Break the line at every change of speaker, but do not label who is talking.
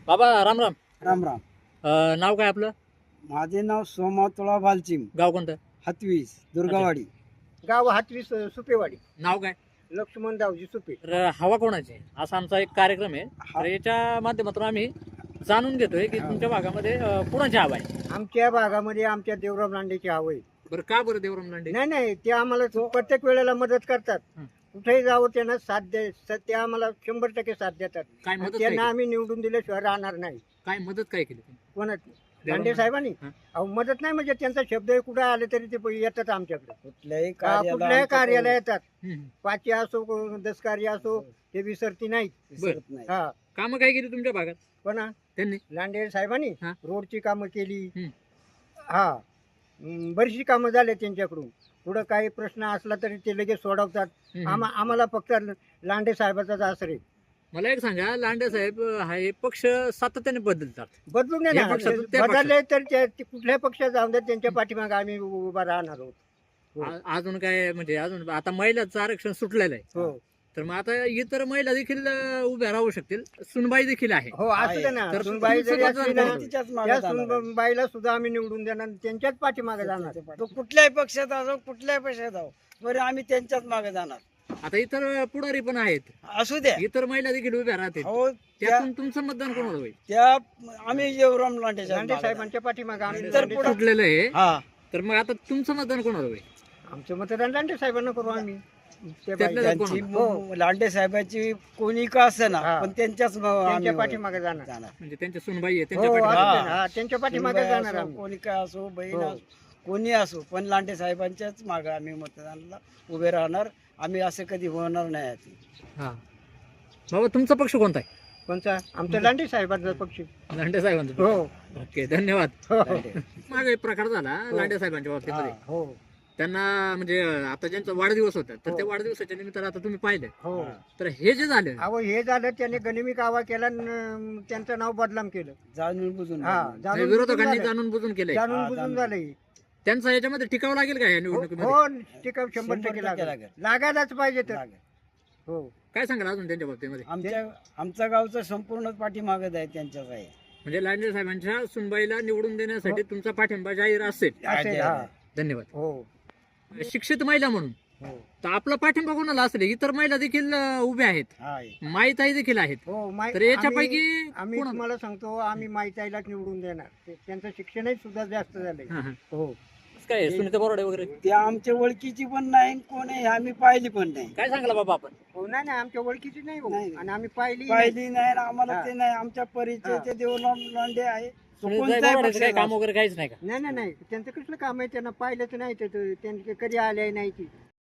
बाबा राम राम.
राम राम.
नाव काय आपलं?
माझे नाव सोमातोळा भालचिम,
गाव कोणतं?
हातवीस, दुर्गावाडी.
गाव हातवीस सुपेवाडी.
नाव काय?
लक्ष्मण दावजी सुपे.
तर हवा कोणाची असा आमचा एक कार्यक्रम आहे. तर याच्या माध्यमातून आम्ही जाणून घेतोय की तुमच्या भागामध्ये कुणाची हवा आहे.
आमच्या भागामध्ये आमच्या देवराम लांडेची हवं आहे.
बरं का बरं देवराम लांडे?
नाही ते आम्हाला प्रत्येक वेळेला मदत करतात.
हं.
कुठेही जावं त्यांना ते आम्हाला 100% साथ देतात.
काय
आणि
मदत काय
त्यांना
केली?
आम्ही निवडून दिल्याशिवाय राहणार नाही.
काय मदत काय केली?
कोणाच लांडे साहेबांनी
हं.
अहो मदत नाही म्हणजे त्यांचा शब्द कुठे आले तरी ते येतात आमच्याकडे.
कुठल्याही
कुठल्याही कार्याला येतात.
हम्म.
5 असो 10 कार्य असो ते विसरती नाहीत.
विसरत नाही.
हा
कामं काय केली तुमच्या भागात
कोणा
त्यांनी?
लांडे साहेबांनी
हा.
रोडची कामं केली.
हं.
हा बरीचशी कामं झाले त्यांच्याकडून. पुढं काही प्रश्न असला तरी ते लगेच सोडवतात.
हम्म.
आम्हाला फक्त लांडे साहेबाचाच आश्रय.
मला एक सांगा, लांडे साहेब हा हे पक्ष सातत्याने बदलतात.
बदलून
या
नाही
पक्षातून त्या
बदलले तर ते कुठल्याही पक्षात जाऊन द्या त्यांच्या पाठीमागे आम्ही उभा राहणार आहोत. हो.
अजून काय म्हणजे अजून आता महिलाचं आरक्षण सुटलेलं आहे.
हो
तर मग आता इतर महिला देखील उभ्या राहू शकतील. सुनबाई देखील आहे.
हो असू दे ना.
तर
सुनबाई
तुमचं
जरी
मतदान
असली ना,
कोणाला?
तिच्याच मागे
त्या
जाणार आहे.
सुनबाईला सुद्धा आम्ही निवडून देणार. त्यांच्याच पाठीमागे जाणार.
तो कुठल्याही पक्षात असो, कुठल्याही पक्षात असो, बरं आम्ही त्यांच्याच मागे जाणार.
आता इतर पुढारी पण आहेत.
असू द्या.
इतर महिला देखील उभ्या राहतील.
हो
त्यातून तुमचं मतदान कोणाला होईल?
त्या आम्ही देवराम लांडेच्या
लांडे
मागे
साहेबांच्या पाठीमागे आम्ही
तर
लांडे
पुढं-
सुटलेलं आहे.
जाणार. हा
तर मग आता तुमचं मतदान कोणाला होईल?
आमचं मतदान लांडे साहेबांना करू आम्ही. ते
त्यातल्या
बाई-
त्यात
त्यांची
हो.
लांडे साहेबाची कोणी का असे ना,
हा.
पण त्यांच्याच
त्यांच्या
आम्ही
पाठीमागे जाणार.
जाणार.
म्हणजे त्यांच्या सुनबाई आहे
हो
त्यांच्या
असू
पाठीमागे.
दे ना. हा, त्यांच्या पाठीमागे
सुनबाई
जाणार
असो,
आम्ही.
कोणी काय असो, बहीण
हो.
असो, कोणी असो, पण लांडे साहेबांच्याच मागे आम्ही मतदानाला उभे राहणार. आम्ही असं कधी होणार नाही आहे.
हा. बाबा तुमचा पक्ष कोणता आहे?
कोणचा? आमच्या लांडे साहेबांचा पक्ष.
लांडे साहेबांचा.
हो
ओके, धन्यवाद.
हो
मागे एक प्रकार झाला लांडे साहेबांच्या बाबतीमध्ये.
हो
त्यांना म्हणजे आता ज्यांचा वाढदिवस होता तर त्या वाढदिवसाच्या निमित्तानं आता तुम्ही पाहिलं.
हो
तर हे जे झालं
अहो हे झालं त्याने गनिमी कावा केला न त्यांचं नाव बदनाम केलं.
जाणून बुजून
हा
बोलणार.
जाणून
विरोधकांनी
बुजून झालं.
जाणून बुजून केलंय.
जाणून
हा,
बुजून
जाणून
झालंय.
त्यांचा याच्यामध्ये टिकावं लागेल का या निवडणुकीमध्ये?
हो टिकाव 100%
100%
लागेल.
लागेल.
लागायलाच पाहिजे तर.
लागेल.
हो
काय सांगाल अजून त्यांच्या बाबतीमध्ये?
आमच्या गावचं संपूर्ण पाठीमागत आहे त्यांच्याच आहे.
म्हणजे लांडे साहेबांच्या सुनबाईला निवडून देण्यासाठी तुमचा पाठिंबा जाहीर असेल.
असेल, हा.
धन्यवाद.
हो
शिक्षित महिला म्हणून
हो
तर आपला पाठिंबा कोणाला असेल? इतर महिला देखील उभ्या आहेत.
आहे.
माईताई देखील आहेत.
हो
तर याच्यापैकी
आम्ही
कोणाला?
तुम्हाला सांगतो आम्ही माहितीलाच निवडून देणार. त्यांचं शिक्षणही सुद्धा जास्त झालंय.
हा, हा.
हो
काय सुनीता बोराडे वगैरे
ते आमच्या ओळखीची पण नाही, कोण आहे आम्ही पाहिली पण नाही.
काय सांगला बाबा आपण?
हो नाही आमच्या ओळखीची नाही हो.
नाही.
आणि आम्ही पाहिली
पाहिली नाही आणि आम्हाला
हा.
ते नाही. आमच्या परिचय ते देवराम लांडे आहे. तो
सुनीता
कोणत्याही
बोराडेचं काय
पक्षाचा
काम वगैरे काहीच नाही का?
नाही त्यांचं कसलं काम आहे त्यांना पाहिलंच नाही. त्यांचे कधी आले नाही ती